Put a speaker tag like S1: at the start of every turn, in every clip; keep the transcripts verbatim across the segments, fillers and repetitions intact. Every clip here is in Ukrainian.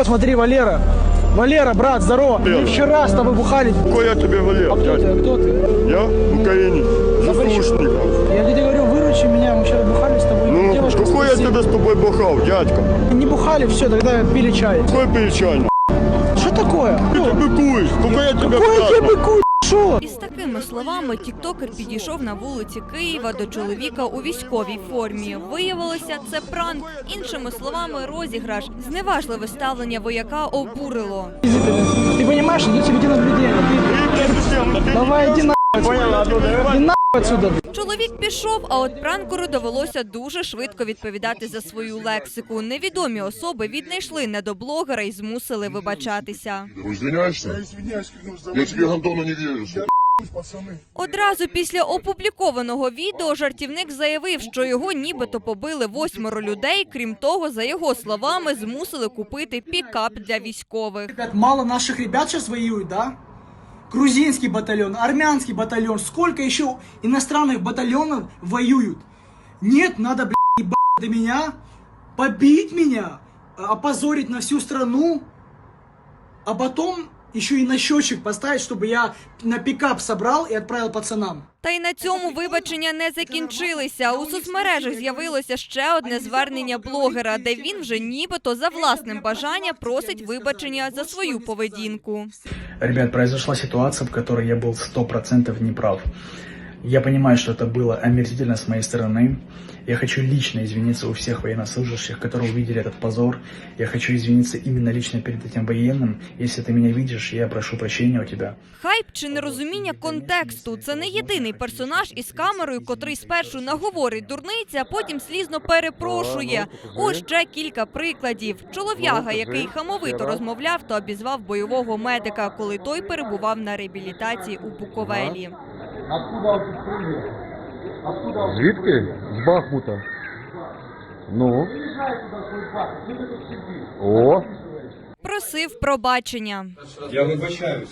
S1: смотри, Валера. Валера, брат, здорово. Мы вчера с тобой бухали.
S2: Какой я тебе, Валера?
S1: А кто ты? А кто ты?
S2: Я в Украине. Заслушников.
S1: Я тебе говорю, выручи меня. Мы вчера бухали с тобой.
S2: Ну,
S1: Девушка
S2: какой я
S1: спросила.
S2: тебе с тобой бухал, дядька?
S1: Не бухали, все, тогда пили чай.
S2: Какой печаль?
S1: Что такое?
S2: Ты ты быкуешь, сколько я тебе
S1: Какой я
S2: сказал?
S1: быку? Шо?
S3: Із такими словами тіктокер підійшов на вулиці Києва до чоловіка у військовій формі. Виявилося, це пранк. Іншими словами, розіграш. Зневажливе ставлення вояка обурило.
S1: Ты понимаешь, идет видеонаблюдение. Ты... Давай, иди нахуй. Иди нахуй отсюда.
S3: Чоловік пішов, а от пранкеру довелося дуже швидко відповідати за свою лексику. Невідомі особи віднайшли недоблогера і змусили вибачатися.
S4: Извиняешься? Я тебе Антону не верю.
S3: Одразу після опублікованого відео жартівник заявив, що його нібито побили восьмеро людей. Крім того, за його словами, змусили купити пікап для військових.
S1: Ребят, мало наших ребят сейчас воюют, да? Грузинский батальон, армянский батальон. Сколько еще иностранных батальонов воюют? Нет, надо, блядь, ебать до меня, побить меня, опозорить на всю страну, а потом еще и на счетчик поставить, чтобы я на пикап собрал и отправил пацанам.
S3: Та й на цьому вибачення не закінчилися. У соцмережах з'явилося ще одне звернення блогера, де він вже нібито за власним бажанням просить вибачення за свою поведінку.
S5: Ребят, произошла ситуация, в которой я был сто процентов неправ. Я понимаю, что это было омерзительно с моей стороны. Я хочу лично извиниться у всех военнослужащих, которые увидели этот позор. Я хочу извиниться именно лично перед этим военным. Если ты меня видишь, я прошу прощения у тебя.
S3: Хайп чи нерозуміння контексту – це не єдиний персонаж із камерою, котрий спершу наговорить дурниці, а потім слізно перепрошує. Ось ще кілька прикладів. Чолов'яга, який хамовито розмовляв та обізвав бойового медика, коли той перебував на реабілітації у Буковелі.
S6: Звідки? З Бахмута. Ну? О!
S3: Просив пробачення.
S7: Я вибачаюся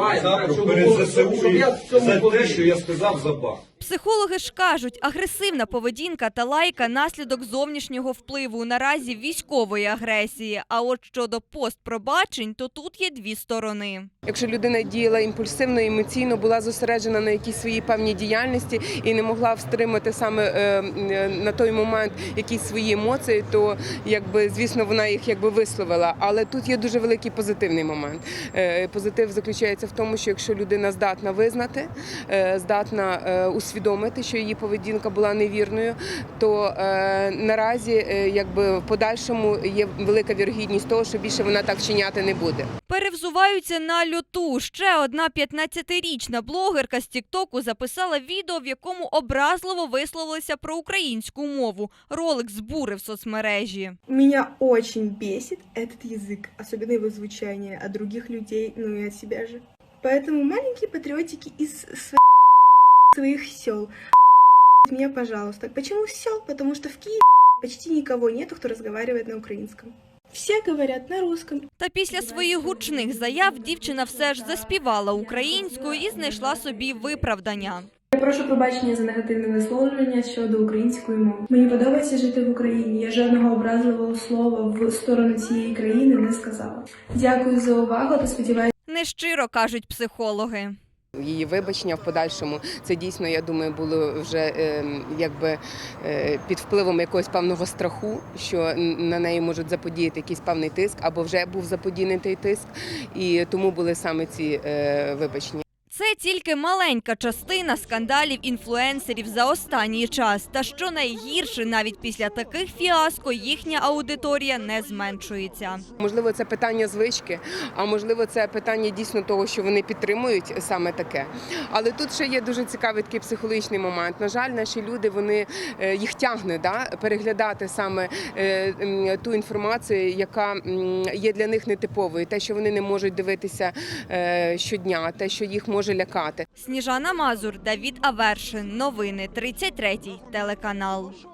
S7: перед ЗСУ за те, що я сказав за Бах.
S3: Психологи ж кажуть, агресивна поведінка та лайка – наслідок зовнішнього впливу, наразі військової агресії. А от щодо постпробачень, то тут є дві сторони.
S8: Якщо людина діяла імпульсивно, емоційно, була зосереджена на якійсь своїй певній діяльності і не могла встримати саме е, на той момент якісь свої емоції, то, якби, звісно, вона їх якби висловила. Але тут є дуже великий позитивний момент. Е, позитив заключається в тому, що якщо людина здатна визнати, е, здатна е, усвідомити, що її поведінка була невірною, то е, наразі е, якби, в подальшому є велика вірогідність того, що більше вона так вчиняти не буде.
S3: Перевзуваються на льоту. Ще одна п'ятнадцятирічна блогерка з Тіктоку записала відео, в якому образливо висловилася про українську мову. Ролик збурив соцмережі.
S9: Меня очень бесит этот язык, особенно его звучание от других людей, ну и от себя же. Поэтому маленькие патриотики из своих сел, меня, пожалуйста. Почему сел? Потому что в Киеве почти никого нету, кто разговаривает на украинском. Все говорять на русском.
S3: Та після своїх гучних заяв дівчина все ж заспівала українською і знайшла собі виправдання.
S9: Я прошу пробачення за негативне висловлювання щодо української мови. Мені подобається жити в Україні. Я жодного образливого слова в сторону цієї країни не сказала. Дякую за увагу та сподіваюся.
S3: Нещиро, кажуть психологи.
S8: Її вибачення в подальшому, це дійсно, я думаю, було вже е, якби е, під впливом якогось певного страху, що на неї можуть заподіяти якийсь певний тиск, або вже був заподіяний той тиск, і тому були саме ці е, вибачення.
S3: Це тільки маленька частина скандалів інфлюенсерів за останній час. Та що найгірше, навіть після таких фіаско їхня аудиторія не зменшується.
S8: Можливо, це питання звички, а можливо, це питання дійсно того, що вони підтримують саме таке. Але тут ще є дуже цікавий такий психологічний момент. На жаль, наші люди, вони, їх тягне да, переглядати саме е, ту інформацію, яка є для них нетиповою. Те, що вони не можуть дивитися е, щодня, те, що їх може лякати.
S3: Сніжана Мазур, Давід Авершин. Новини тридцять третій телеканал.